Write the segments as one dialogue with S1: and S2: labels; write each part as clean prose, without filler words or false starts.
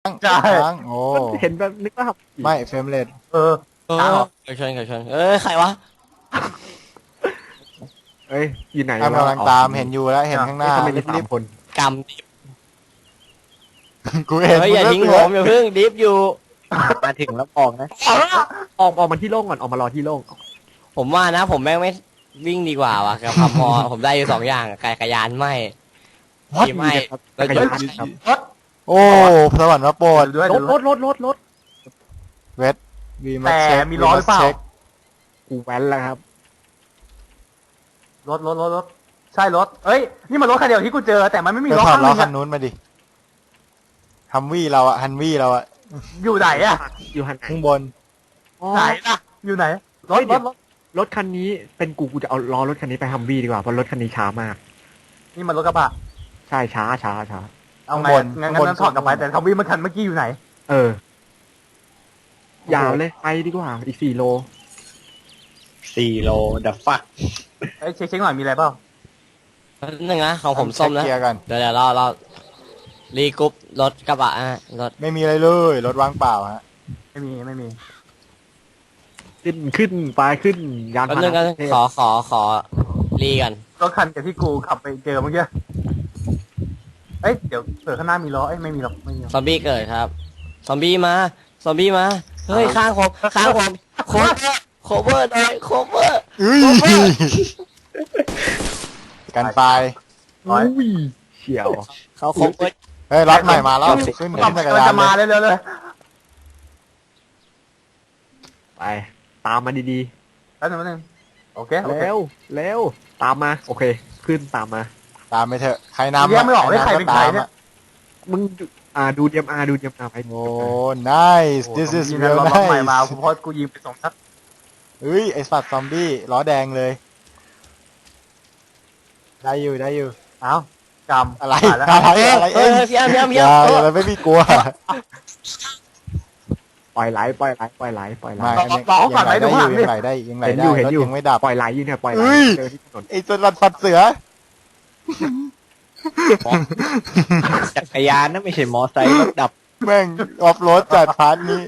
S1: ใช่
S2: ค้างโอ้
S3: เห็นแบบนึกว่าขับขี่
S2: ไม่เฟรมเรท
S1: เออ
S4: เออไก่ชนไก่ชนใครวะ
S3: เอ้ยอยู่ไหน
S2: แอมกำลังตามเห็นอยู่แล้วเห็นข้างหน้า
S3: ทำไมมี
S2: รี
S3: สาม
S2: บ
S3: คน
S4: กำ
S2: ๆกูเห็น
S4: เฮ้ยอย่าทิ้งผมอย่าเพิ่งดิฟอยู่
S5: มาถึงแล้วบอกนะ
S3: ออกมาที่โล่งก่อนออกมารอที่โล่ง
S4: ผมว่านะผมแม่งไม่วิ่งดีกว่าวะกับขับมอ ผมได้อยู่2 อย่างไก่กระยานไม่ขี่ไม่รถยนต์
S3: ครับ
S1: รถ
S2: โอ้สวรรค์มาโปรด
S1: ด้วย
S3: ร
S1: เดี๋ยว
S3: ถ
S1: รถ
S3: รถ
S2: เวทวีมา
S1: แต่
S2: เช็ค
S1: มีล้อหรือเปล่า
S3: กูแว้นแล้วครับ
S1: รถใช่รถเอ้ยนี่มันรถคันเดียวที่กูเจอแต่มันไม่มี
S2: ไป
S1: ล้อ
S2: ถอด
S1: ข้าง
S2: ล้อ
S1: นึง
S2: คั
S1: อะ
S2: นนู้นมาดิฮัมวี่เราอะฮันวี่เราอะ
S1: อยู่ไหนอะ
S3: อยู่หันไหน
S2: ข้างบน
S1: ไหนล่ะอยู่ไหนรถ
S3: เฮ้ยเดี๋
S1: ร
S3: ยว
S1: ถรถ
S3: รถคันนี้เป็นกูจะเอาล้อรถคันนี้ไปฮัมวี่ดีกว่าเพราะรถคันนี้ช้ามาก
S1: นี่มันรถกระบะ
S3: ใช่ช้า
S1: เอาไงงั้นถอดกลับไปแต่ทวีมันคันเมื่อกี้อยู่ไหน
S3: เออยาวเลยไปดีกว่าอีก4 โล
S5: 4 โลดับฟัก
S1: เอ้ยเช็คหน่อยมีอะไรเปล่า
S4: นึงนะของผมส้มนะ
S2: เช็คเกียร์กัน
S4: เดี๋ยวเรารีกรุ๊ปรถกระบะรถ
S2: ไม่มีอะไรเลยรถว่างเปล่าฮะ
S1: ไม่มี
S3: ขึ้นไปขึ้นยาน
S4: แป๊บ
S3: พาห
S4: นึงกัน
S3: นะ
S4: ขอรีกัน
S1: รถคันกับที่กูขับไปเจอเมื่อกี้เอ้ยเดี๋ยวเปิดข้างหน้ามีล้อเอ้ยไม่มีหรอกไม่มีหรอก
S4: ซอมบี้เกิดครับซอมบี้มาเฮ้ยข้างผมโคเวอร์หน่อยโคเวอร์
S2: อุ้ยกันไป
S3: อุ้ยเฉียว
S4: เขาโคเวอร์
S2: เฮ้ยรถใหม่มาแล้วขึ้น
S1: กำลั
S2: จั
S1: ง
S2: กรยาน
S1: จะมา
S2: เลย
S1: เร็วๆเลย
S3: ไปตามมาดี
S1: แป๊บนึงโอเค
S3: ๆเร็วตามมาโอเค ขึ้นตามมา
S2: ตามไปเถอะใครนำ
S1: แยกไม่ออกเลยใครเป็นใครเนี่ย
S3: มึงดูเดียมอาร์ไป
S2: โอ้ nice this is
S1: มี
S2: real
S1: รถใหม่มา
S2: nice
S1: เพราะกูยิงไป2 นัด
S2: เฮ้ยไอสัตว์ซอมบี้ล้อแดงเลยได้อยู่
S1: เอ้ากำ
S2: อะไร
S1: ตายแล้ว
S2: อะไรอะไร
S4: เฮ้
S2: เอ็
S4: ย
S2: ง
S4: พี่อ้ำ
S2: อย่าอะไรไม่มีกลัว
S3: ปล่อยไหล
S2: ไม่ ยังไหลได้ยังไหล
S3: เห็น
S2: ได้
S3: อยู่เห็น
S2: รถ
S3: อยู่
S2: ยังไม่ดับ
S3: ปล่อยไหลอยู่เนี่ยปล่อยไหล
S2: เอ้ย
S3: เจอที่ถนน
S2: ไอสลัดฟัดเสือ
S5: จักรยานนะไม่ใช่มอไซค์รถดับ
S2: แม่งออฟโรดจัดพาร์ทนี้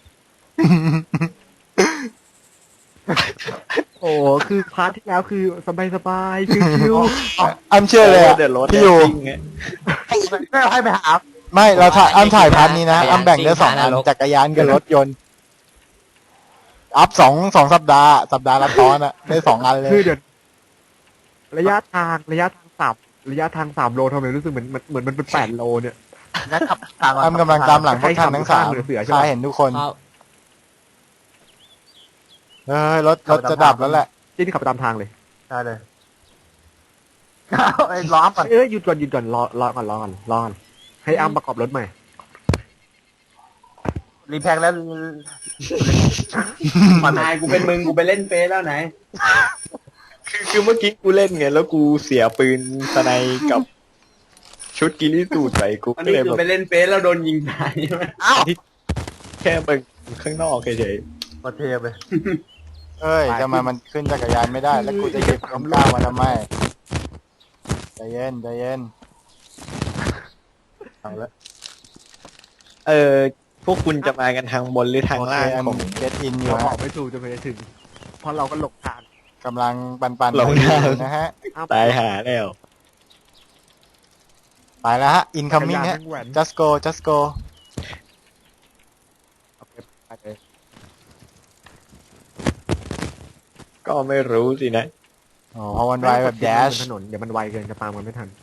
S3: โอ้คือพาร์ทที่แล้วคือสบายๆชิว
S2: อ้ำเชื่อเลยอะ
S5: เดือดร้อน
S2: พี่อยู่
S5: จริงไง
S1: ไม่เอาให้ไปหา
S2: ไม่เราถ่ายอ้ำถ่ายพาร์ทนี้นะอ้ำแบ่งได้2 อันจักรยานกับรถยนต์อัพสองสัปดาห์ละตอนอะได้2 อันเล
S3: ๆ
S2: ย
S3: คือเดี๋ยวระยะทาง3 โลทำไมรู้สึกเหมือนมันเป็น8 โลเนี่ย
S1: งั้นขับทาง
S2: อ้ำกำลังตามหลังพวกท่านทั้งสาม
S3: เหลือใช่ปะ
S2: ข้าเห็นทุกคน
S4: ครับ
S2: เฮ้ยรถจะดับแล้วแหละ
S3: ที่นี่ขับไปตามทางเลย
S1: ได้เลยไอ้ล้อมก่อน
S3: หยุดก่อนรอก่อนให้อ้ำประกอบรถใหม่
S1: รีแพคแล้ว
S5: นายกูเป็นมึงกูไปเล่นเฟซแล้วไหน คือเมื่อกี้กูเล่นไงแล้วกูเสียปืนสไนกับชุดกิริสูตรไปกู
S6: อัน
S5: ก็
S6: นี้
S5: เลย
S6: คือ
S5: แบบ
S6: ไปเล่นเฟซแล้วโดนยิงตายใช่ไหม
S1: อ้าว
S5: แค่เบิ่งข้างนอกเฉย
S1: มาเทไป
S2: เอ้ยจะมามันขึ้นจักรยานไม่ได้แล้วกูจะหยิบคำก้าวมาทำไมใจเย็นเอาละ
S5: พวกคุณจะมากันทางบนหรือทางล่าง
S2: โอเค
S5: ของ
S2: เก็ตอินอยู่
S3: เราบอ
S2: ฮะ
S3: กไม่ถูกจะไปถึง เพราะเราก็หลงทาง
S2: กำลังปัน
S5: หลงทาง
S2: อยู่นะฮะ
S5: ตายหาแล้ว
S2: ไปแล้วฮะ incoming ฮะ just go
S5: ก็ไม่รู้สินะ
S2: โอ้พอวันไวแบบแดช
S3: ถนนเดี๋ยวมันไวเกินจะตามมันไม่ทัน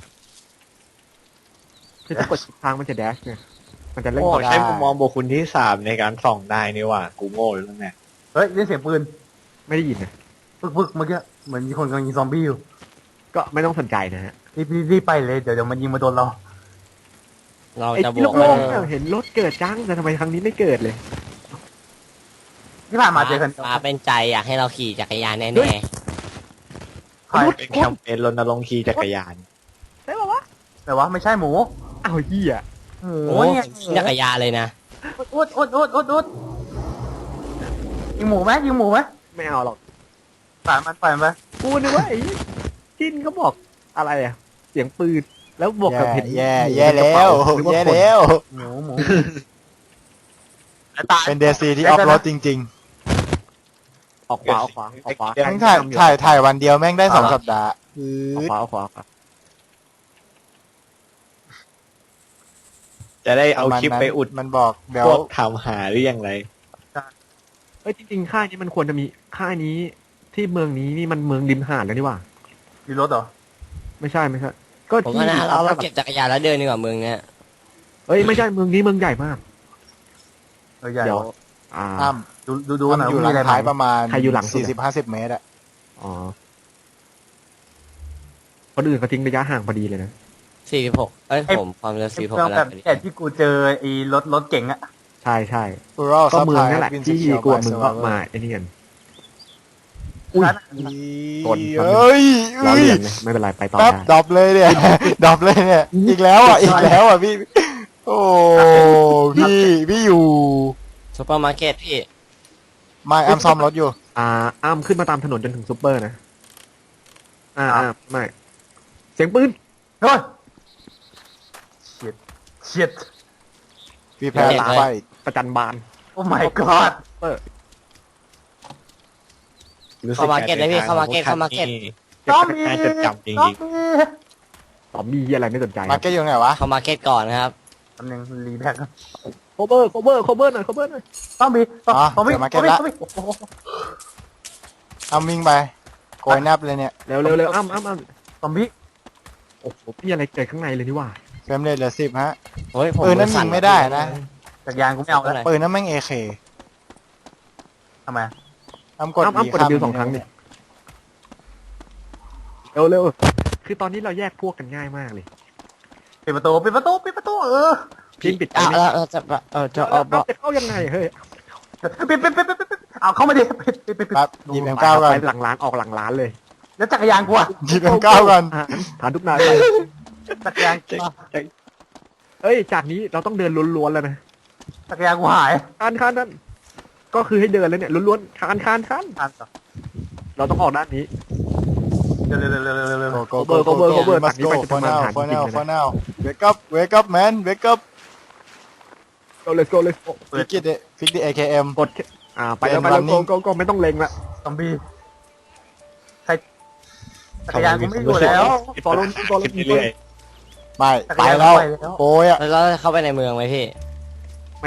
S3: คือถ้ากดทางมันจะแดชเนี่ยมันจะเล่น
S5: โอ้
S3: ก่อน
S5: ใช้มุมมองบุคคลที่3ในการส่องได้นี่ว่ากูโง่แล้วเนี่ย
S1: เฮ้ยได้เสียงปืน
S3: ไม่ได้ยินนะ
S1: ปึ๊กเมื่อกี้เหมือนมีคนกำลังยิงซอมบี้อยู่
S3: ก็ไม่ต้องสนใจนะฮะ
S1: รีบไปเลยเดี๋ยวมันยิงมาโดนเรา
S4: เรา
S3: ไอ้
S4: จะบ
S3: ที่
S4: วก
S3: โล่งๆเนี่ยเห็นรถเกิดจังแต่ทำไมครั้งนี้ไม่เกิดเลย
S1: ที่ผ่านมาเจอกัน
S4: มาเป็นใจอยากให้เราขี่จักรยานแน่
S3: เฮ้ย
S1: ใคร
S5: เป็นแคมเปญรณรงค์ขี่จักรยาน
S3: ได้ป่าวะ
S1: แต่ว่าไม่ใช่หมู
S3: อ้าวเหี้ย
S1: หมู
S4: ๆโอ้
S1: เนี่ย
S4: จักรยานเลยนะ
S1: อุดยิงหมูไหม
S3: ไม่เอาหรอก
S1: ปล่อยมันไป
S3: กูนึกว่าไอ้จิ้นเขาบอกอะไรอ่ะ เสียงปืนแล้วบวกกับเห็น
S2: แย่แล้ว
S3: นึกว่า
S2: แย่
S3: คน
S2: แล้ว
S1: หมู
S2: เป็นเดซีที่ออฟโรดจริง
S3: ออกขวาออกขวาออกขวา
S2: ๆทั้งถ่ายวันเดียวแม่งได้2 สัปดาห์
S3: ออกขวาออกขวาออกขวา
S5: จะได้เอาคลิปไปอุด
S2: มันบอกเดี๋ยว
S5: พวกทำหาหรือยังไร
S3: เอ้ยจริงๆค่ายนี้มันควรจะมีค่ายนี้ที่เมืองนี้นี่มันเมืองริมหาดแล้วนี่หว่า
S1: มีรถเหรอ
S3: ไม่ใช่ไม่ใช่ ก็
S4: ผม
S3: ที่
S4: ว่านะเราเก็บจักรยานแล้วเดินดีกว่าเมืองเนี้ย
S3: เอ้ยไม่ใช่เมืองนี้เมืองใหญ่มาก
S1: ใหญ่
S3: เดี๋ยว
S1: วะ
S3: อ่า
S1: ดูหน่อย
S2: อยู่ห
S1: มี
S2: ลั
S1: อะไร
S2: ง
S1: ไหม
S2: ท้ายประมาณ
S3: ใครอยู่หลังสุดอะ
S2: 40-50 เมตรอะ
S3: อ๋อคนอื่นเขาทิ้งระยะห่างพอดีเลยนะ
S4: 46เอ้ยผมความเร็ว
S1: เค
S4: 46
S1: รื่อง
S4: แล้
S1: แบ
S4: ว
S1: บแต่ที่กูเจอไอ้รถเก๋งอะ
S3: ใช่ใช่
S2: Rural
S3: ก็เมือง
S2: Supply
S3: นั่นแหละ
S2: has been
S3: ที่
S2: secured
S3: กลัว
S2: by
S3: มึงก็
S2: survivor
S3: มาไอ้นี่กัน อุ้ย
S1: ร้าน
S3: กด
S2: เอ้ย
S3: ล้อเลียนเลยไม่เป็นไรไปต่อ
S2: แป๊บ
S3: ได้
S2: ดรอปเลยเนี่ย ดรอปเลยเนี่ย อีกแล้วอ่ะ อีกแล้วอ่ะพี่ โอ้พี่อยู่
S4: ซุปเปอร์มาร์เก็ตพี่
S2: ไม่อ้ำซ่อมรถอยู่
S3: อ้ามขึ้นมาตามถนนจนถึงซุปเปอร์นะไม่เสียงปืน
S1: เฮ้ยเฉียด
S2: พี่แพ้หลังไฟ
S3: ประจันบาน
S1: โอ้ my god
S4: เข้ามาร์เก็ตเลยพี่เข้ามาร์เก็ตเข้ามาร์เก็ต
S1: ต้องมี
S5: น่าจดจำจริง
S1: ต้องมี
S3: ตอมบี้อะไรไม่สนใจ
S2: มาร์เก็ตอยู่ไหนวะ
S4: เข้ามาร์เก็ตก่อนนะครับ
S1: ตำแหน่งรีแพ็ค
S3: โคเบอร์หน่อย
S1: ต้องมีต้องมี
S2: อ้ำวิ่งไป โกยแนบเลยเนี่ย
S3: เร็วอ้ำ
S1: ต้องมี
S3: โอ้โหพี่อะไรเกิดข้างในเลยนี่ว่า
S2: เฟรมเรทเหลือ10 ฮะ
S4: เฮ้ยผม
S2: ปืนนั้นยิงไม่ได้นะ
S1: จักรยานกูไม่เอาแล้ว
S2: ปืนนั้นแม่ง AK
S1: ทำไม
S2: อ้ำกด
S3: อ้ำกด
S2: ข้าม
S3: W 2 ครั้งเนี่ยเร็วคือตอนนี้เราแยกพวกกันง่ายมากเลย
S1: ปิดประตู
S3: พินปิด
S4: เราจะเอาเบาะ
S3: จะเข้ายังไงเฮ้ย
S1: ปิดเอาเข้ามาดิปิด
S2: แป๊บหยิบ M9 ก่อน
S3: ไปหลังร้านออกหลังร้านเลย
S1: แล้วจักรยานกูอะ
S2: หยิบ M9 ก่อน
S3: ฐานทุกนายไป
S1: จักรยาน
S3: เอ้ยจากนี้เราต้องเดินล้วนๆแล้วนะ
S1: จักรยานกูหาย
S3: คานนั่นก็คือให้เดินเลยเนี่ยล้วนๆคาน
S1: ทันต่อ
S3: เราต้องออกด้านนี้
S1: เร็ว
S3: cover
S2: มาส
S3: จากนี้
S2: โก
S3: ไปจะประมาณ
S2: for now
S3: ฐานจริงๆ
S2: for now wake up man wake up
S3: let's go
S2: ฟิกดิ AKM
S3: กดไปแล้วก็ไม่ต้องเล็งละ
S1: ซอมบี้ใครจักรยานกูไม่อยู่แล้ว
S3: ฟอลโล่
S5: ขึ้นเรื่อย
S2: ไม่ไปแล้วโอ้ยอ่ะ
S4: แล้วเราจะเข้าไปในเมืองไหมพี่
S3: ไม่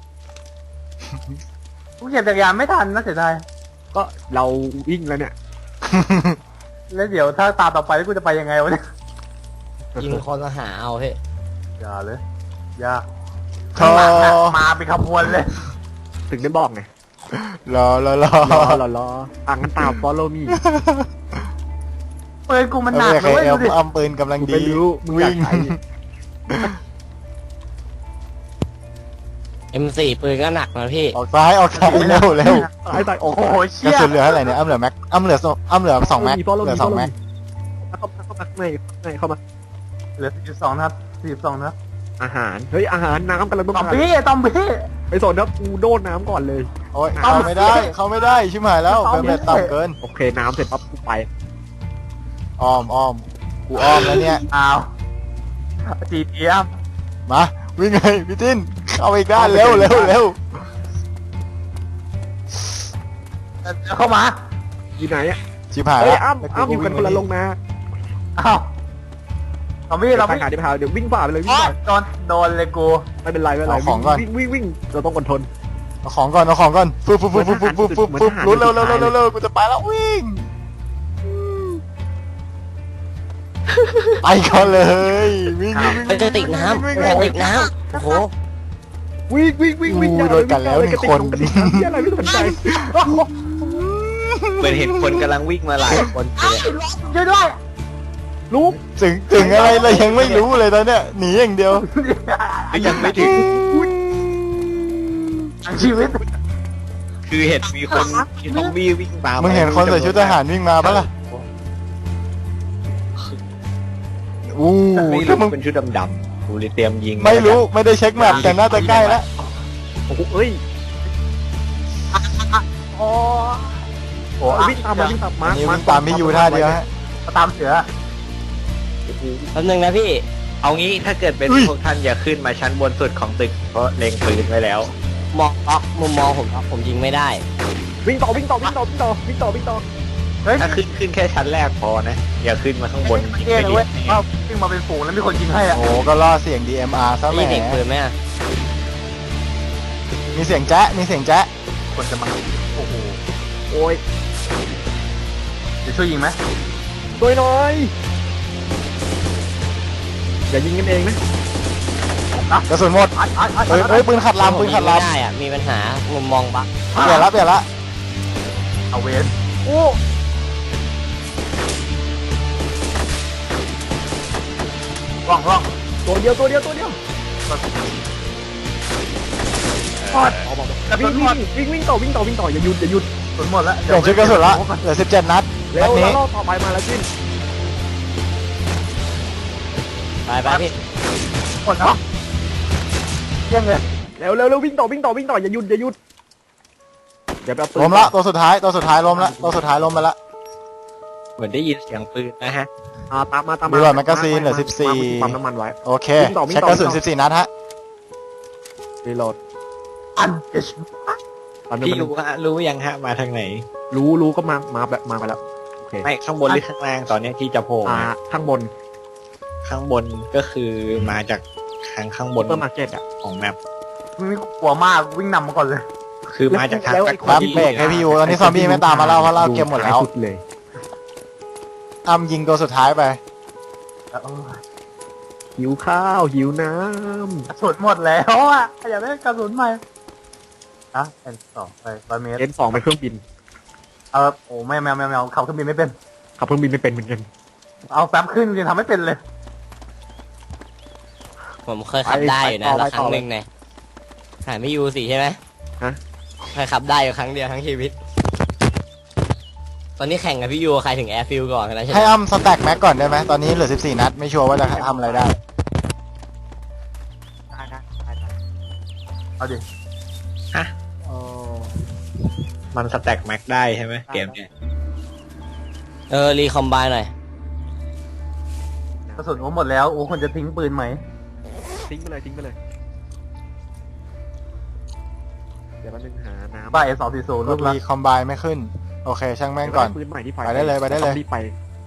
S1: กูเหยียบจักรยานไม่ทันนะเสียดาย
S3: ก็เราวิ่งแล้วเนี่ย
S1: แล้วเดี๋ยวถ้าตาต่อไปกูจะไปยังไงวะเนี่ย
S4: ยิงคนมาหาเอาพี่
S1: อย่าเลยอย่า
S2: โธ
S1: ข้างหลังอะมาเป็นขบวนเลย
S3: ถึงได้บอกไง
S2: รอ
S3: รองั้นตาม follow me
S1: ปืนกูมันหนัก
S2: โอ
S1: เล
S2: เค
S1: ยดูดิ
S2: อ้ำปืนกำลังดี
S3: ไม่รู้มึงอยาก
S2: วิ่ง
S3: ใช้
S4: M4 ปืนก็หนักนะพี่
S2: ออกซ้ายเร็ว
S3: ตายโอ้
S1: โอ้
S3: โห
S1: โห
S2: กระ
S1: เชี่ย
S2: สุนเหลือเท่าไหร่เนี่ยอ้ำเหลือแม็กอ้ำเหลือ2 แม็กเหลือ2 แม็ก
S3: เข้ามาเข้ามา
S1: เหลือ42นะครับ
S3: อาหารเฮ้ยอาหารน้ำกำลังต้อง
S1: ตอม
S3: การ
S1: บี้
S3: ไปสนครับกูโดนน้ำก่อนเลย
S2: โอ้ยเข้าไม่ได้ชิบหายแล้วเฟรมเรทต่ำเกิน
S3: โอเคน้ำเสร็จปั๊บกูไป
S2: อ้อมกูอ้อมแล้วเนี่ย
S1: อ้าวจีเทียม
S2: มาวิ่งเลยพี่ติ้นเข้าไปอีกด้านเร็ว
S1: เข้ามา
S3: อยู่ไหนอ่ะ
S2: ชิบหาย
S3: เฮ้ย
S2: แล้ว
S3: อ้ำอยู่กันคนละลงนะ
S1: อ้าวซอมบี้
S3: เรา
S1: เรา
S3: ไป
S1: ไม่
S3: หาเดี๋ยววิ่งฝ่าไปเลยวิ่ง
S1: โดนเลยกู
S3: ไม่เป็นไรวิ่งเราต้องอดทน
S2: เอาของก่อนฟึบลุ้นเร็วกูจะไปแล้ววิ่งไปก่อนเลยวิ่ง
S4: ไปกระติกน้ำกระติกน้ำโอ้โห
S3: วิ่งอะไรไม่สนใจ
S5: เหมือนเห็นคนกำลังวิ่งมาหลายคนเลย
S1: ช่วยด้วย
S3: ลูก
S2: ถึงอะไรเรายังไม่รู้เลยตอนเนี้ยหนีอย่างเดียว
S5: ยังไม่ถึง
S1: ชีวิต
S5: คือเห็นมีคนมีซอมบี้วิ่งตาม
S2: มึงเห็นคนใส่ชุดทหารวิ่งมาปะล่ะอู้
S5: ไม่
S2: ถ้า
S5: รู้
S2: มึง
S5: เป็นชุดดำๆกูเลยเตรียมยิง
S2: ไม่รู้ไม่ได้เช็คแมปแต่น่าจะใกล้แล้ว
S3: โอ้โหเอ้ย
S1: โอ้โห
S3: วิ่งตามมา
S2: อันนี้วิ่งตามพี่ยูท่าเดียวฮะ
S1: ตามเสือ
S4: แป๊บนึงนะพี่
S5: เอางี้ถ้าเกิดเป็น
S2: อุ้ย
S5: พวกท่านอย่าขึ้นมาชั้นบนสุดของตึกเพราะเล็งปืนไว้แล้ว
S4: มองล็อกมุมมองผมยิงไม่ได้
S3: วิ่งต่อวิ่งต่อวิ่งต่อวิ่งต่อวิ่งต่อวิ่งต่อ
S1: เฮ้ย
S5: ถ้าขึ้นแค่ชั้นแรกพอนะอย่าขึ้นมาข้างบน
S1: ไม่เท่เลยเว้ยว่าวิ่งมาเป็นฝูงแล้วมีคนยิงให้อะ
S2: โอ้ก็ล่อเสียง DMR ซะแหม
S4: นี่เด็กปืนไหมอะ
S2: มีเสียงแจ๊ะมีเสียงแจ๊ะ
S1: คนจะมาโอ้โห
S3: โอ้ย
S1: จะช่วยยิงไหม
S3: ช่วยหน่อยอย่ายิงกันเองนะ
S2: กระสุนหมด เฮ้ยเฮ้ยปืนขัดลำปืนขัด
S4: ผมยิงไม่
S2: ลำ
S4: ได้อะมีปัญหามุมมองบัก
S2: เปลี่ยนละเปลี่ยนละ
S1: เอาเวน
S3: โอ้
S1: ร่อง
S3: ตัวเดียวตัวเดียวตัวเดียว
S1: พอด
S3: วิ่งวิ่งวิ่งต่อวิ่งต่อวิ่งต่ออย่าหยุดอย่าหยุด
S1: กระสุนหมดแล้ว
S2: เปลี่ยนชุดกระสุนละเหลือ17 นัด
S3: เร็
S2: นัด
S3: ว
S2: นี้
S3: แล้วรอบต่อไปมาแล้วจิ้น
S4: ไปพี่
S1: หมดแล้วเที่ยงเลย
S3: เร็วเร็วเร็ววิ่งต่อวิ่งต่อวิ่งต่ออย่าหยุดอย่าหยุดอย่าไปเอาปืน
S2: ล้มละตัวสุดท้ายล้มละตัวสุดท้ายล้มไปละ
S5: เหมือนได้ยินเสียงปืนนะฮะ
S3: ตามมาตามมา
S2: รีโหลดแมกกาซีนเหลือ
S3: ปั๊มน้ำมันไว้
S2: 14 โอเค
S3: วิ่งต่อวิ่ง
S2: ใช้
S3: ต่อ
S2: กระสุน14 นัดฮะ
S3: รีโหลด
S1: อันเอช
S3: ตอนนี้
S5: พี่
S3: มัน
S5: รู้ยังฮะมาทางไหน
S3: รู้ก็มาแบบมาไปแล้วโอเค
S5: ไม่ข้างบนหรือข้างล่างตอนเนี้ยที่จะโผล่มา
S3: ข้างบน
S5: ข้างบนก็คือมาจากทางข้างบน
S3: เปอร์มาร์เก็ตอ่ะ
S5: ของแมป
S1: นี่กลัวมากวิ่งนำมาก่อนเลย
S5: คือมาจากทาง
S3: แล้วไอ้
S5: แบ็ค
S3: คน
S2: แป๊บเบรกให้พี่ยูตอนนี้ซอมบี้ไม่ตามมาแล้วเพราะเราเก็บหมดแล้ว
S3: สุดเลย
S2: อ้ำยิงตัวสุดท้ายไป
S3: หิวข้าวหิวน้
S1: กระสุนหมดแล้วอ่ะอยากได้กระสุนใหม่อะเป็นสองไป100 เมตร
S3: ำN2 เป็นเครื่องบิน
S1: โอ้ไม่เอาขับเครื่องบินไม่เป็น
S3: ขับเครื่องบินไม่เป็นเหมือนกัน
S1: เอาแป๊บขึ้นยังทำไม่เป็นเลย
S4: ผมเคยขับได้อยู่นะละครั้งหนึ่งเนี่ยหายไม่ยูสิใช่ไหม
S3: ฮะ
S4: เคยขับได้อยู่ครั้งเดียวทั้งชีวิต ตอนนี้แข่งกับพี่ยูใครถึงแอร์ฟิลก่อนกันแล้วใช่ไหม
S2: ให้อ้ำสแต็กแม็กก่อนได้ไหมตอนนี้เหลือ14 นัดไม่ชัวร์ว่าจะทำอะไรได้
S1: เอาดิ
S5: มันสแต็กแม็กได้ใช่ไหมเกมเนี้ย
S4: รีคอมไบหน่อย
S1: กระสุนโอ้หมดแล้วโอ้คนจะทิ้งปืนไหม
S3: ทิ้งไปเลยทิ้งไปเลยเดี๋ยวแป๊บนึงหาน้ำ
S1: บ้าS240
S2: รู
S1: รู
S2: ป
S1: ปละ
S2: รีคอมไบไม่ขึ้น โอเค ช่างแม่งก่อน
S3: ปืนใหม่ที่ไฟ
S2: ไปได้เลยไปได้เลย
S3: ต้องรีบไป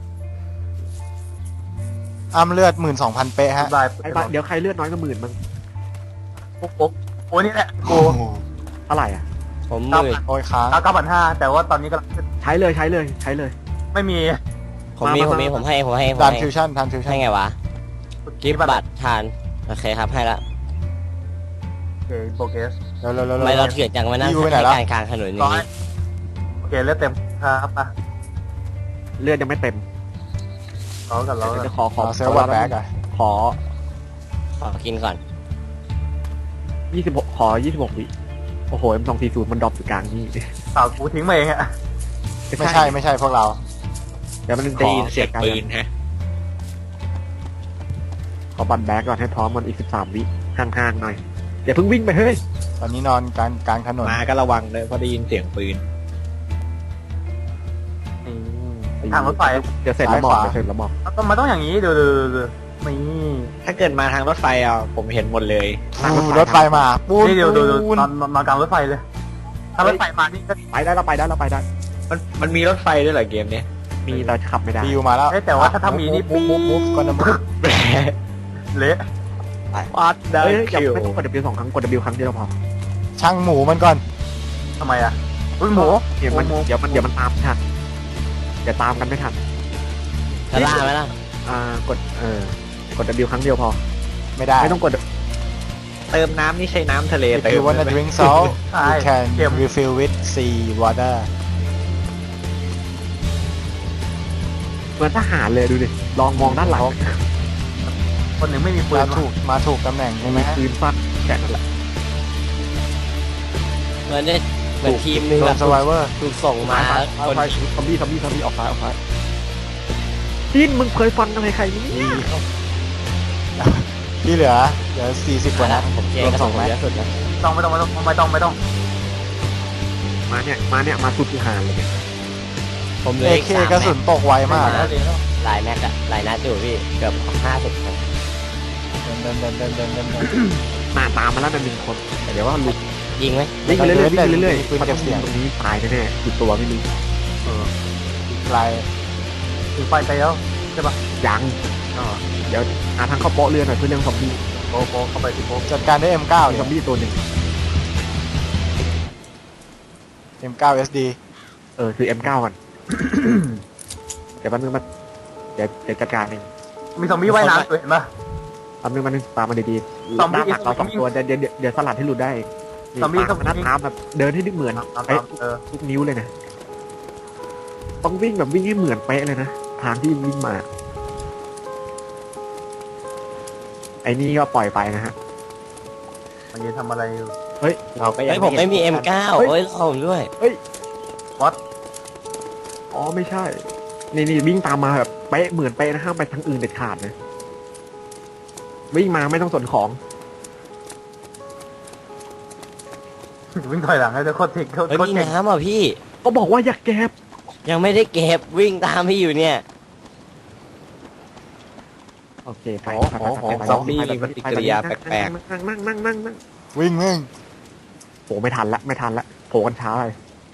S2: อ้ำเลือด 12,000 เป๊ะฮะ
S1: ได้
S3: ไอ้บ้าเดี๋ยวใครเลือดน้อยก็10,000มั้ง
S1: โอ้นี่แหละกู
S3: เท่าไหร่อ่ะ
S4: ผมมืด
S2: โอ้ยค้าง
S1: 9,500แต่ว่าตอนนี้ก็
S3: ใช้เลยใช้เลยใช้เลย
S1: ไม่มี
S4: ผมให้
S2: ดันฟิวชั่นทันฟิวชั่น
S4: ให้ไงวะกิฟต์บัตรทานโอเคครับให้ละ
S1: โปรเกส
S2: เร็ว
S4: ทำไมเราเถื่อนจังมานั่ง
S2: พี่ยูไปไหน
S4: ให้
S2: ละ
S4: การกลางถนนอย่าง
S1: ร้อย
S4: นี้
S1: โอเคเลือดเต็มครับป่ะ
S3: เลือดยังไม่เต็ม
S1: เรากัน
S3: เดี๋ยวจะขอ
S2: เซลวัตแบ็กอะ
S3: ขอ
S4: ขอกินก่อน
S3: 26ขอ26วิโอ้โห M240 มันดรอปอยู่กลางนี่
S1: เปล่ากูทิ้งมาเองอะ
S2: ไม่ใช่พวกเรา
S3: เดี๋ยวมัน
S5: ได้ยินเสียงปืนฮะ
S3: ขอบัตรแบ็กก่อนให้พร้อมมันอีก13 วิห่างๆหน่อยอย่าเพิ่งวิ่งไปเฮ้ย
S2: ตอนนี้นอนกลางถนน
S5: มาก็ระวังเลยเพราะได้ยินเสียงปืน
S1: ทางรถไฟ
S3: เดี๋ยวเสร็จแล้วบอกเดี๋ยวเสร็จแล้วบอก
S1: มันต้องอย่างนี้ดูนี่
S5: ถ้าเกิดมาทางรถไฟอ่ะผมเห็นหมดเลย
S2: รถไฟมาปูน
S1: นี่ดู
S2: ปูน
S1: นอนกลางรถไฟเลย ถ้ารถไฟมานี่ก็
S3: ไปได้เราไปได้เราไปได้
S5: มันมีรถไฟด้วยเหรอเกมเนี้ย
S3: มีแต่ขับไม่ได้
S2: พี่ยูมาแล้ว
S1: แต่ว่าถ้ามีนี่
S2: มุฟก่อนนะมุฟ
S1: เละ
S5: วัดได้
S3: เฮ้ยอย่า
S5: คิว
S3: ไม่ต้องกด W 2 ครั้งกด W ครั้งเดียวพอ
S2: ช่างหมูมันก่อน
S1: ทำไมอะอุ้ยหมู
S3: เดี๋ยวมันเดี๋ยวมันตามไม่ทันเดี๋ยวตามกันไม่ทัน
S4: จะล่าไหมล่ะ
S3: กดกด W ครั้งเดียวพอ
S2: ไม่ได้
S3: ไม่ต้องกด
S5: เติมน้ำนี่ใช้น้ำทะเล
S2: If
S5: เติ
S2: you
S5: ม
S2: wanna
S5: ได้ไหม
S2: drink salt
S1: ใช่
S2: you can
S1: เค็ม
S2: refill with sea water
S3: เหมือนทหารเลยดูดิลองมองด้านหลัง
S1: คนหนึ่งไม่มีปืน
S2: มาถูกตำแหน่งใช่ไหมฮะ
S3: ปืนฟันแค่นั้นแหละ
S4: เหมือนทีมหนึง
S2: โด
S4: แบ
S2: น
S4: บ
S2: survivor
S4: ถูกส่งมา
S3: เอา
S4: คน
S3: ไปซอมบี้ออกซ้ายจีนมึงเคยฟันอะไรใครนี่
S2: ที่เหลือ40 กว่านัด
S4: ผมเจ
S2: รวม
S4: กระ
S2: ส
S4: ส่
S2: อง ง
S4: ผม
S2: แม็ก
S4: เยอะสุดนะ
S1: ไม่ต้อง
S3: มาสุดทหารเลย
S4: ผมเหลือ
S2: เอ
S4: อีก
S2: เค
S4: 3
S2: กระสุนตกไวมาก
S4: หลายแม็กอะหลายนัดอยู่พี่เกือบ50ครับ
S3: หน้าตามมาแล้วเป็น1 คนแต่เดี๋ยวว่าลุก
S4: ยิงไหม
S3: วิ่งไปเรื่อยๆวิ่งไปเรื่อย
S2: ปืน
S3: ๆมัน
S2: เก็
S3: ต้อบ ง
S2: เสียง
S3: ตรงนี้ตายแน่ๆกี่ตัวไม่รู้
S2: ไกล
S1: ถือไฟไปแล้วใช่ปะ
S3: ยังเดี๋ยวหาทางเข้าโป๊ะเรือหน่อยเพื่อเรื่องซอมบี้
S1: โปเข้าไปที่โป
S2: จัดการด้วย M9
S3: มี
S2: เนี่
S3: ซอมบี้ตัวหนึ่ง
S2: ย M9 SD
S3: คือ M9 ก่อน เดี๋ยวแป๊บนึงมาเดี๋ยวจัดการเอง
S1: มีซอมบี้ว่ายน้ำด้วยเห็นปะ
S3: แป๊บนึงตามมาดีๆ
S1: ซอมบี้
S3: ด้านหลักเรา2 ตัวเดี๋ยวสลัดให้หลุดได้
S1: ซอมบี้
S3: ตามมาตามแบบเดินให้ดึกเหมือน
S1: ตาม
S3: เป๊ะ
S1: ๆ
S3: ทุกนิ้วเลยนะต้องวิ่งแบบวิ่งให้เหมือนเป๊ะเลยนะทางที่วิ่งมา ไอ้นี่ก็ปล่อยไปนะฮะ
S1: มันยืนทำอะไรอยู่
S5: เราก็ยั
S4: เฮ้
S5: ง
S4: ยผมไม่มี M9
S3: เฮ้ย
S4: เฮ้ยรอผมด้วย
S3: อ๋อไม่ใช่ นี่วิ่งตามมาแบบเป๊ะเหมือนเป๊ะนะห้ามไปทางอื่นเด็ดขาดนะวิ่งมาไม่ต้องสนของ
S1: วิ่งถอยหลังให้เธอโคตรเทค
S4: เฮ้ย
S1: โคตร
S4: มี
S1: เก่ง
S4: น้ำอ่ะพี่
S3: ก็บอกว่าอย่าแก็บ
S4: ยังไม่ได้เก็บวิ่งตามพี่อยู่เนี่ย
S3: โอเคไป
S5: ซอมบี้มีปฏิกิริยาแปลก
S3: นั่ง
S2: วิ่งมึง
S3: โผล่ไม่ทันละโผล่กันช้าไป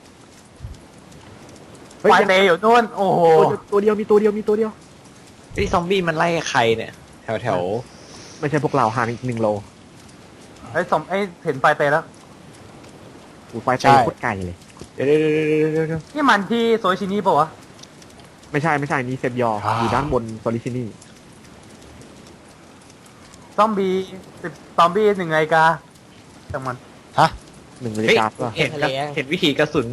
S1: ไฟเตยอยู่นู่นโอ้โห
S3: ตัวเดียวมีตัวเดียว
S5: ๆที่ซอมบี้มันไล่ใครเนี่ย แถว
S3: ไม่ใช่พวกเราห่างอีก1 โล
S1: ไอ้เห็นไฟเตยแล้ว
S3: อูไฟไตโคตรไกลเลย
S5: เดี๋ยว
S1: นี่มันที่โซชินีปะวะ
S3: ไม่ใช่นี่เซฟยออยู่ด้านบนโซลิชินี่
S1: ซอมบี้1 นาฬิกาจังมัน
S3: 1 นาฬิกาก็
S5: เห็นวิธีกระสุน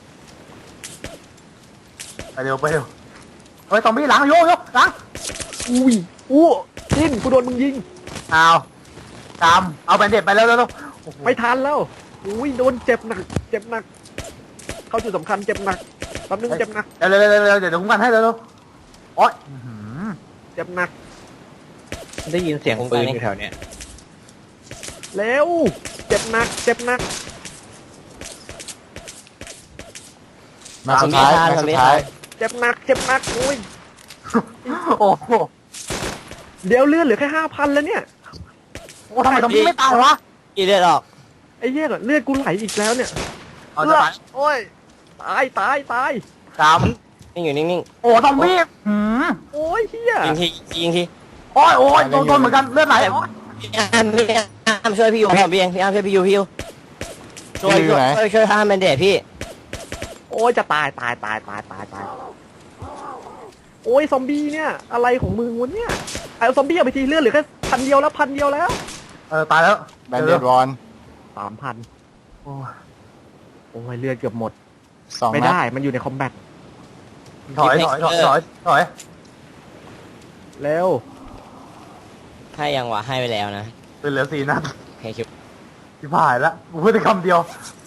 S1: ไปเร็วเฮ้ยซอมบี้หลังโยหลัง
S3: อู้จิ้นกูโดนมึงยิง
S1: เอาแบนเด็ดไปแล้วโอ้โห
S3: ไม่ทันแล้วอุ้ยโดนเจ็บหนักเข้าจุดสำคัญเจ็บหนักแป๊บนึงเจ็บหนัก
S1: เร็วเดี๋ยวคุ้มกันให้เร็วโอ๊ย
S3: เจ็บหนัก
S5: ได้ยินเสียงปืนอยู่แถวเนี้ย
S3: เร็วเจ็บหนัก
S2: มาสุดท้าย
S3: เจ็บหนักอุ้ย
S1: โอ้โห
S3: เดี๋ยวเลือดเหลือแค่5,000แล้วเนี่ย
S1: ทำไมซอมบี้ไม่ตายวะ
S4: กี่เลือดออก
S3: ไอ้เหี้ยเลือดกูไหลอีกแล้วเนี่ย
S1: เอาจะตาย
S3: โอ้ยตาย
S4: นิ่งอยู่นิ่ง
S1: โอ้ซอมบี้
S3: โอ้ยเหี้ย
S4: ๆยิงทียิงที
S1: โอ้ยโดนเหมือนกันเลือดไหลโอ๊ย
S4: พี่อาร์มช่วยพี่อยู่ผมพี่เองพี่อาร์มช่วยพี่อยู่ช่วยห้ามแมนเดตพี่
S3: โอ้ยจะตายโอ้ยซอมบี้เนี่ยอะไรของมึงวะเนี่ยเอาซอมบี้เอาไปทีเลือดเหลือแค่1,000 เดียวแล้ว
S1: ตายแล้ว
S2: แบนเดดวอน
S3: 3,000 โอ้ยเลือดเกือบหมด
S2: 2
S3: ไม่
S2: นัด
S3: ได้มันอยู่ในคอมแบท
S1: ถอย
S3: เร็ว
S4: ให้ยังวะให้ไปแล้วนะ
S1: เหลือ4 นัด
S4: โอเคคิว
S1: ที่ผ่านแล้วกูพูดแต่คำเดียว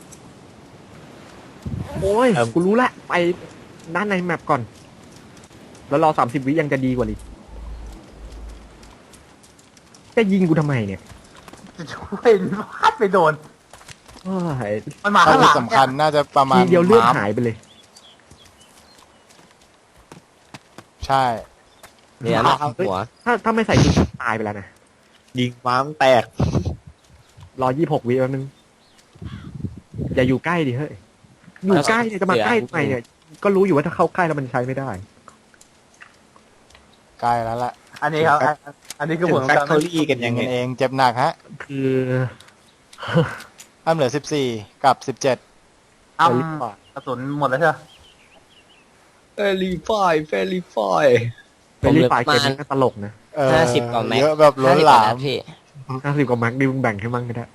S3: โอ้ยกูรู้ละไปด้านในแมปก่อน แล้วรอ30 วิยังจะดีกว่าลิจะยิงกูทำไมเนี่ย
S1: จะช่วยพลาดไปโดน
S3: โอ้ย
S1: มันมา
S2: ถ้า
S1: ข้างห
S2: จุ
S1: ลั
S2: ด
S1: ง
S2: สำคัญน่าจะประมาณ
S3: ทีเดียวเลือด
S2: ม้าม
S3: หายไปเลย
S2: ใช่
S4: เดี๋ยวนะเข้าหัว
S3: ถ้าไม่ใส่ชุดตายไปแล้วนะ
S5: ยิงม้ามแตก
S3: รอ26 วิแป๊บนึงอย่าอยู่ใกล้ดิเฮ้ยอยู่ใกล้เนี่ยจะมาใกล้ทำไมเนี่ยก็รู้อยู่ว่าถ้าเข้าใกล้แล้วมันใช้ไม่ได้
S2: ใกล้แล้วล่ะ
S1: อันนี้ครับ อันนี้คือ
S5: ถึ
S1: ผ
S5: ง
S1: ล
S5: แฟค
S1: การ
S5: ทอรี่กัน
S2: ยิ
S5: ยัง งไง
S2: กันเองเจ็บหนักฮะ
S3: คือ
S2: อ้ำเหลือ14กับ17
S1: อ้ำกระสุนหมดแล้วใช่ไหม
S5: เฟรีไฟ
S3: เฟรนลี่ไฟเกมนี้ก็ตลกนะ
S4: 50 กว่าแม็ก
S2: เยอะแบบล้นหลาม
S4: พี่
S3: 50 กว่าแม็กดิมึงแบ่งให้มั่งก็ได้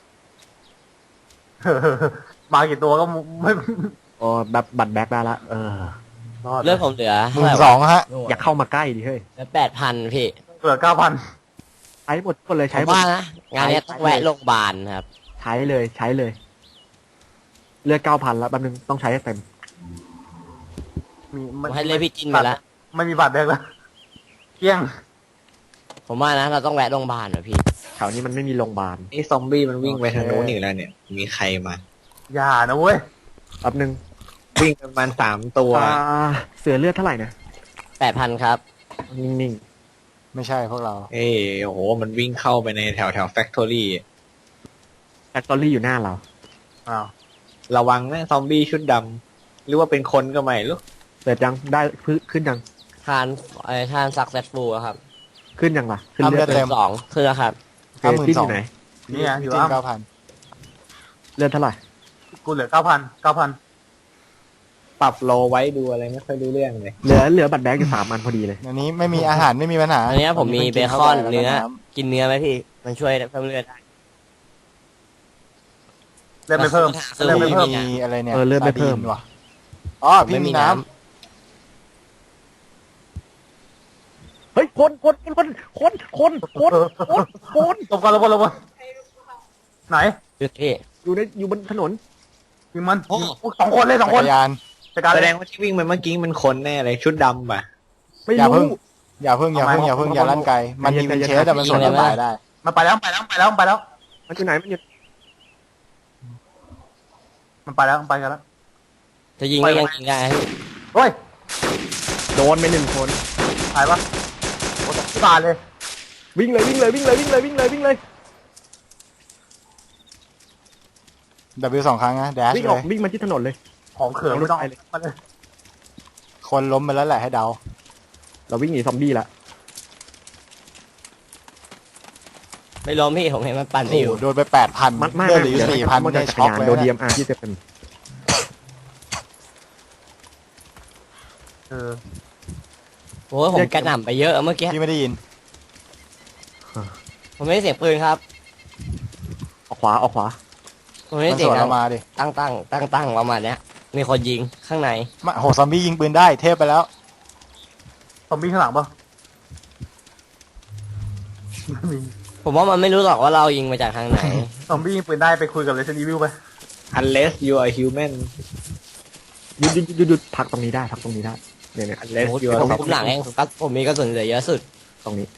S1: มากี่ตัวก็ไม่
S3: อ๋อแบบบัตรแบ็กได้ละ
S1: รอด
S4: เลือดผมเหลือ
S2: 12,000ฮะ
S3: อย่าเข้ามาใกล้ดิเฮ้ย
S4: เหลือ8,000พี่
S1: เหลือ 9,000
S3: ใช้หมดคนเลย
S4: ผ
S3: ใช้
S4: ม
S3: หมด
S4: ว่านะงานเนี้ยต้องแวะโรงพยาบาลครับ
S3: ใช้เลยเลือด 9,000 แล้วแป๊บนึงต้องใช้ให้เต็ม
S4: ผมให้เลยพี่จินไปละ
S1: ไม่มีบาดแดงแล้วเกลี้ยง
S4: ผมว่านะเราต้องแวะโรงพยาบาลเหรอพี่
S3: แถวนี้มันไม่มีโรงพยาบาล
S5: นี่ซอมบี้มันวิ่งไปทางโน้นอีกแล้วเนี่ย มีใครมา
S1: อย่านะเว้ย
S3: แป๊บนึง
S5: วิ่งประมาณ3 ตัว
S3: เสือเลือดเท่าไหร่นะ
S4: 8,000ครับ
S3: นิ่ง
S2: ไม่ใช่พวกเรา
S5: เอ้ยโอ้โหมันวิ่งเข้าไปในแถวแฟคทอรี่
S3: แฟคทอรี่อยู่หน้าเรา
S1: อ้าว
S5: ระวังนะซอมบี้ชุดดำหรือว่าเป็นคนก็ไม่รู้
S3: เสร็จยังได้ขึ้นยัง
S4: ทานทานซักเซสฟูลครับ
S3: ขึ้นยังล่ะขึ้น
S2: ทำ
S3: เลือด
S2: เลือด
S3: เลย
S2: เต็ม
S4: สองคือครับ
S3: โอเคที่อยู่ไหน
S1: นี่ไงอยู่
S2: จริง
S1: อ้ำ
S2: 9,000
S3: เลือดเท่าไหร่
S1: กูเหลือ9,000
S5: ปรับโลไว้ดูอะไรไม่ค่อยรู้เรื่องเลย
S3: เหลือบัตรแบงค์อยู่3 อันพอดีเลย
S2: อันนี้ไม่มีอาหารไม่มีปัญหา
S4: อันเนี้ยผมมีเบคอนเนื้อ
S2: แล้วก็ำ
S4: กินเนื้อไหมพี่ มันช่วยเพิ่มเลือดได้
S1: เล่นไม่เพิ่ม
S4: คือ
S1: เล่น
S4: ผ
S1: ไม่
S4: ม
S1: เพิ่ม
S2: มีอะไรเนี่ย
S3: เลือดไม่เพิ่ม
S2: ซาดีนว่ะอ๋อพี่มีน้
S3: เฮ้ยคน
S1: เออหลบก่อนไหน
S4: พี่
S3: อยู่บนถนน
S1: ยิงมันสองคนเลย
S2: ำ
S1: ส
S2: จั
S1: อง
S2: ก
S1: คน
S2: รยาน
S1: จัดการ
S5: แส
S1: เล
S5: ด
S1: ย
S5: งว่าที่วิ่งไปเมื่อกี้มันคนแน่เลยชุดดำป่ะ
S3: ไม่
S2: อย่าเพิ่
S3: รู้
S2: งอย่าเพิ่งอย่าลั่นไกลมันยิงเป็นเชสแต่มันสวนตายได้
S1: มันไปแล้ว
S3: มันอยู่ไหนมันอยู่
S1: มันไปแล้วมันไปกันแล้ว
S4: จะยิงก็ยังยิงได้พี่
S1: เฮ้ย
S3: โดนไป1 คน
S1: หายปะโอ้ตกที่บาทเลย
S3: วิ่งเลย
S2: W 2 ครั้งนะแดช
S3: วิ่ง
S2: เล
S3: ออก
S2: ย
S3: วิ่งมาที่ถนนเลย
S1: ของเขื่อนไม่ต้องมาเลย
S2: คนล้มไปแล้วแหละให้เดา
S3: เราวิ่งหนีซอมบี้ละ
S4: ไม่ล้มพี่ผมเห็นมันปั่นไป
S2: โอ้
S4: อยู่
S2: โหโดนไป 8,000
S3: มันไม่
S2: เลือดเหลืออยู่4,000
S3: มัน
S2: ได้
S3: จัก
S2: ช็
S3: ร
S2: อก
S3: ยาน
S2: เลย
S3: โดน
S2: นะ
S3: DMR ที่7
S1: เออ
S4: โอ้ยผมกระหน่ำไปเยอะเมื่อกี้
S2: พี่ไม่ได้ยิน
S4: ผมไม่ได้เสียงปืนครับ
S3: ออกขวา
S4: ผมไม่ได้
S2: มัน
S4: เสี
S2: ส
S4: ยง
S2: วน
S4: ดั
S2: เรา
S4: ง
S2: มาดิ
S4: ตั้งประมาณเนี้ย มีคนยิงข้างใน
S2: มาโหซอมบี้ยิงปืนได้เทพไปแล้ว
S1: ซอมบี้ข้างหลังปะไม่มี
S4: ผมว่ามันไม่รู้หรอกว่าเรายิงมาจากทางไหน
S1: ซอมบี้ยิงปืนได้ไปคุยกับเรซนิวิวไป
S5: unless you are human
S3: หยุดพักตรงนี้ได้เนี่ย
S5: unless you
S4: ผม
S5: are
S4: คุมหลังเองผมมีกระสุนเหลือเยอะสุด
S3: ตรงนี้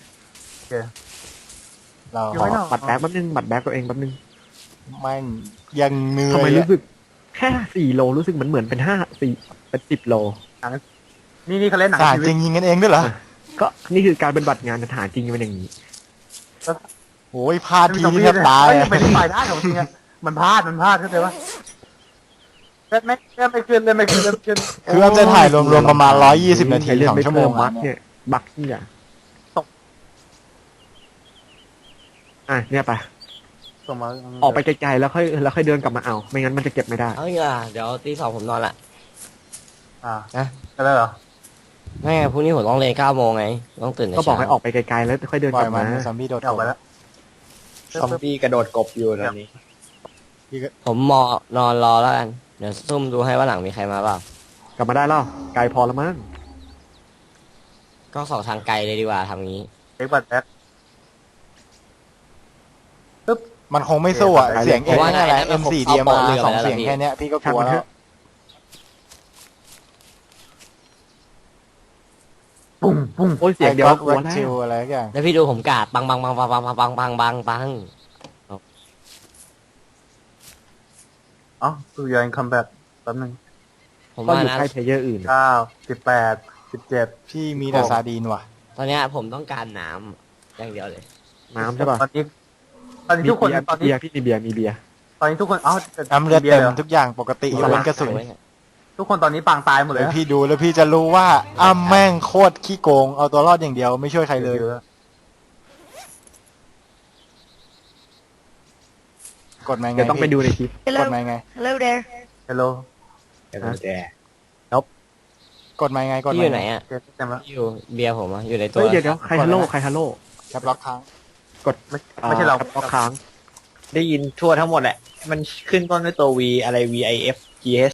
S2: เรา
S1: อยู่ไม่นอก
S3: บัตรแบงค์แป๊บนึงบัตรแบงค์ตัวเองแป๊บนึง
S2: แม่งยังเหนื่
S3: ทำไม
S2: อย
S3: รู้สึกแค่4 โลรู้สึกเหมือนเป็นเป็น10 โล
S1: นี่เขาเล่นหนัง
S2: ทหาร
S1: ชีวิ
S2: จ
S1: ต
S2: ริงยิงกันเองด้วยเหรอ
S3: ก็นี่คือการเป็นบัตรงานทหารจริงเป็นอย่างนี้
S2: โอ้ยพลาดที
S1: ซอม
S2: นี่
S1: บี้
S2: แทบตาย
S1: เฮ้ย
S2: อะ
S1: เป็นฝ่ายได้ของจริงอะมันพลาดเข้าใจปะเล่นไม่ขึ้น
S2: คือมันจะถ่ายรวมๆประมาณ120 นาที
S3: เรื่อง
S2: 2
S3: ไม่
S2: ชั่วโม
S3: เพิ่
S2: ง
S3: มบั
S2: อะ
S3: คเนี่ยบัคเนี่ยเนี่ยไป
S1: ส่งมา
S3: ออกไปไกลๆแล้วค่อยเดินกลับมาเอา ไม่งั้นมันจะเก็บไม่ได้
S4: เอาอย่างเงี้ยเดี๋ยวตี 2ผมนอนละ
S1: นะก็ได้เหรอ
S4: ไม่ไงพรุ่งนี้ผมต้องเรียน9 โมงไง ต้องตื่นแต่
S3: ก็บอก
S4: เช้า
S3: ให้ออกไปไกลๆแล้วค่อยเดิน
S2: ปล่
S3: ก
S2: อ
S3: ลั
S2: ย
S3: บ
S2: มัน
S3: มา
S2: ซอมบี้โดด
S1: ออกไปแล้ว
S5: ซอมบี้กระโดดกบอยู่ตอนนี้
S4: ผมนอนรอแล้วกัน เดี๋ยวซุ่มดูให้ว่าหลังมีใครมาเปล่า
S3: กลับมาได้แล้วไกลพอแล้วมั้ง
S4: ก็สองทางไกลเลยดีกว่าทำงี้
S1: เช็คบัตรแบ็ค
S2: มันคงไม่สู้อ่ะเสียงเองนี่แหละ M4 DMR 2 เสียงแค่เนี้ยพี่ก็กลัวแล้ว
S1: ปุ้ง
S3: โอ้ยเสียงเดียว
S2: ไอ้
S3: ก็กลัว
S2: แร็ก
S3: แล้ว
S2: ชิลอะไรอย่าง
S4: แล้วพี่ดูผมกาดปัง
S1: อ๋อดูยังคัมแบ็คแป๊บนึง
S4: ผม
S3: ก็
S4: ว่า
S3: อยู่
S4: นะ
S3: ใกล้เพลเยอร์อื่น
S1: 9 18 17
S2: พี่มีแต่ซาดีนว่ะ
S4: ตอนเนี้ยผมต้องการน้ำอย่างเดียวเลย
S3: น้ำใช่ป่ะ
S1: ตอนนี้ทุกคนตอน
S3: เบี
S1: นี้
S3: ยร์พี่มีเบียร์มีเบียร์
S1: ตอนนี้ทุกคนอ้าว
S2: น้ำเลือด
S1: บีย
S2: เต็
S1: ร์
S2: ม
S1: หรอ
S2: ทุกอย่างปกติยกเว้นกระสุน
S1: ทุกคนตอนนี้ปางตายหมดเล
S2: เดี๋
S1: ย
S2: ยวพี่ดูแล้วพี่จะรู้ว่าอ้ำแม่งโคตรขี้โกงเอาตัวรอดอย่างเดียวไม่ช่วยใครเลย กดมาไง
S3: เดี๋ยวต้องไปดูในคลิป
S2: กดมาไง
S7: Hello there.
S1: ฮัลโหล
S5: แต่กุญแจ
S2: กดมาไงกด
S4: พี่
S2: มา
S4: อยู่ไหนอ่ะ
S1: เต็มแล้ว
S4: อยู่เบียร์ผมอ่ะอยู่ในตัว
S3: เฮ้ยเดี๋ยวใครฮัลโหลใครฮัลโหล
S2: แคปล็อกค้าง
S1: ไม่ใช่เรา
S3: ก็ค้าง
S5: ได้ยินทั่วทั้งหมดแหละ มันขึ้นต้นด้วยตัว V อะไร VIF GS